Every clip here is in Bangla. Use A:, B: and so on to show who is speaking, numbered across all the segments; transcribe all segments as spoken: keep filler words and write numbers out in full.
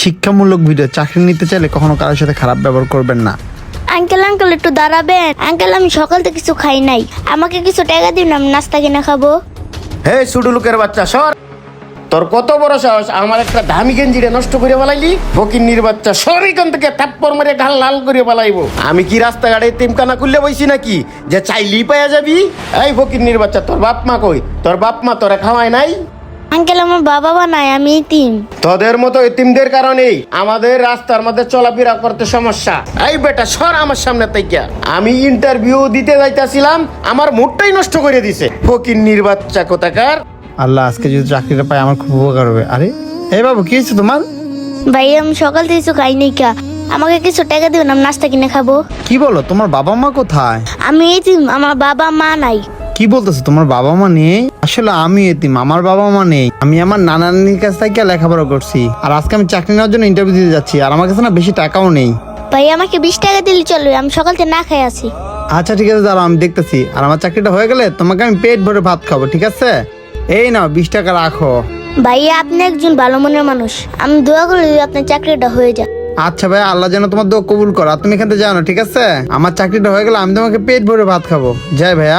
A: শিক্ষামূলক ভিডিও। চাকরি নিতে চাইলে কখনো কারোর সাথে খারাপ ব্যবহার করবেন না।
B: আঙ্কেল আঙ্কেল একটু দাঁড়াবেন। আঙ্কেল আমি সকাল থেকে কিছু খাই নাই, আমাকে কিছু টাকা দিন, আমি নাস্তা কিনে খাবো।
C: হে ছোট লোকের বাচ্চা সর, তোর কত বড় সাহস আমার একটা দামি গেঞ্জিরে নষ্ট করে বালাইলি? ফকিন্নির বাচ্চা সর এখান থেকে, থাপ্পড় মারে গাল লাল করে বালাইবো। আমি কি রাস্তাঘাটে তিমকানা খুললে বইছি নাকি যে চাইলেই পাইয়া যাবি? এই ফকিন্নির বাচ্চা, তোর বাপ মা কই? তোর বাপ মা তোরা খাওয়ায় নাই?
B: আঙ্কেল আমার বাবা মা নাই, আমি ইতিম।
C: তোদের মতো এতিমদের কারণেই আমাদের রাস্তার মধ্যে চলাফেরা করতে সমস্যা। এই বেটা সর আমার সামনে থেকে। আমি ইন্টারভিউ দিতে যাইতাছিলাম, আমার মুডটাই নষ্ট করে দিছে ফকিন্নির বাচ্চা কোথাকার।
A: আল্লাহ, আজকে যদি চাকরিটা পাই আমার খুব উপকার হবে। আরে এই বাবু, কি হয়েছে তোমার?
B: ভাই আমি সকাল থেকে কিছু খাই নাই, কা আমাকে কিছু টাকা দিবেন, আমি নাস্তা কিনে খাবো।
A: কি বলো, তোমার বাবা মা কোথায়?
B: আমি ইতিম, আমার বাবা মা নাই।
A: কি বলতেছো, তোমার বাবা মা নেই? আসলে আমি এতিম, আমার বাবা মা নেই। আমি আমার নানা নানির কাছ থেকে লেখাপড়া করছি, আর আজকে আমি চাকরি নেওয়ার জন্য ইন্টারভিউ দিতে যাচ্ছি, আর আমার কাছে না বেশি টাকাও নেই।
B: ভাই আমাকে বিশ টাকা দিলে চলবে, আমি সকাল থেকে না খাই আছি।
A: আচ্ছা ঠিক আছে, দাঁড়াও আমি দেখতেছি। আর আমার চাকরিটা হয়ে গেলে তোমাকে আমি পেট ভরে ভাত খাবো, ঠিক আছে? এই নাও বিশ টাকা রাখো।
B: ভাইয়া আপনি একজন ভালো মনের মানুষ, আমি দোয়া করি যদি আপনার চাকরিটা হয়ে যায়।
A: আচ্ছা ভাই, আল্লাহ যেন তোমার দোয়া কবুল করো। আর তুমি এখান থেকে যাও না, ঠিক আছে? আমার চাকরিটা হয়ে গেলে আমি তোমাকে পেট ভরে ভাত খাবো। যাই ভাইয়া।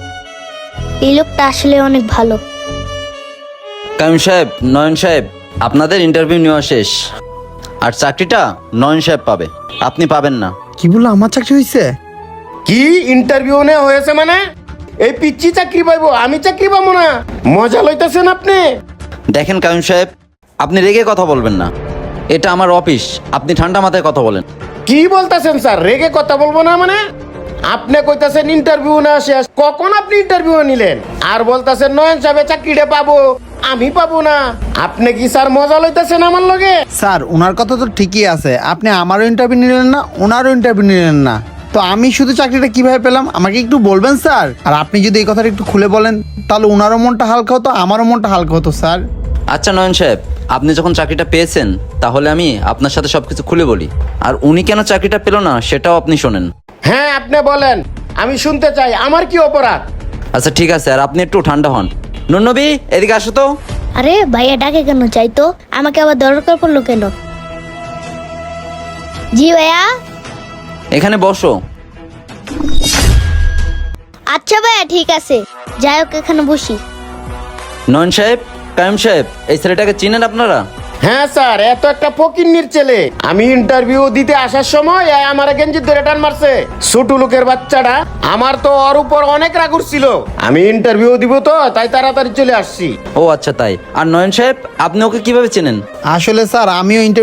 B: এই লোকটা আসলে অনেক ভালো।
D: কাইম সাহেব, নয়ন সাহেব, আপনাদের ইন্টারভিউ নেওয়া শেষ, আর চাকরিটা নয়ন সাহেব পাবে, আপনি পাবেন না।
A: কি বললো, আমার চাকরি হয়েছে?
C: কি ইন্টারভিউ নে হয়েছে মানে? এই পিচ্ছি চাকরি পাইবো, আমি চাকরি পাবো না? মজা লইতেছেন আপনি?
D: দেখেন কাইম সাহেব, আপনি রেগে কথা বলবেন না, এটা আমার অফিস, আপনি ঠান্ডা মাথায় কথা বলেন।
C: কি বলতেছেন স্যার? রেগে কথা বলবো না মানে? আপনি কইতাছেন ইন্টারভিউ না শেষ, কখন আপনি ইন্টারভিউ নিলেন? আর বলতাছেন নয়ন সাহেব চাকরিটা পাবো, আমি পাবো না। আপনি কি স্যার মজা লইতেছেন আমার লগে?
A: স্যার, ওনার কথা তো ঠিকই আছে, আপনি আমারও ইন্টারভিউ নিলেন না, ওনারও ইন্টারভিউ নিলেন না, তো আমি শুধু চাকরিটা কিভাবে পেলাম আমাকে একটু বলবেন স্যার? আর আপনি যদি এই কথাটা একটু খুলে বলেন তাহলে ওনারও মনটা হালকা হতো, আমারও মনটা হালকা হতো স্যার।
D: আচ্ছা নয়ন সাহেব, আপনি যখন চাকরিটা পেয়েছেন তাহলে আমি আপনার সাথে সবকিছু খুলে বলি, আর উনি কেন চাকরিটা পেল না সেটাও আপনি শোনেন।
C: হ্যাঁ আপনি বলেন, আমি শুনতে চাই, আমার কি অপরাধ?
D: আচ্ছা ঠিক আছে, আর আপনি একটু ঠান্ডা হন। নুনবী, এদিকে আসো তো।
B: আরে ভাইয়া ডাকে কেন, চাইতো আমাকে আবার দরকার পড়লো কেন? জি ভাইয়া।
D: এখানে বসো।
B: আচ্ছা ভাইয়া ঠিক আছে, যাই হোক এখানে বসি।
D: নয়ন সাহেব, কাইম সাহেব, এই ছেলেটাকে চিনেন আপনারা?
C: হ্যাঁ স্যার, এত একটা ফকিন্নির ছেলে। আমি ইন্টারভিউ দিতে আসার সময় এ আমার গেঞ্জি ধরে টান মারছে, ছোট লোকের বাচ্চাটা। আমার তো ওর উপর অনেক রাগ উঠছিল, আমি ইন্টারভিউ দিব তো তাই তাড়াতাড়ি চলে আসছি।
D: ও আচ্ছা তাই। আর নয়ন সাহেব, আপনি ওকে কিভাবে চেনেন?
A: আসলে স্যার আমিও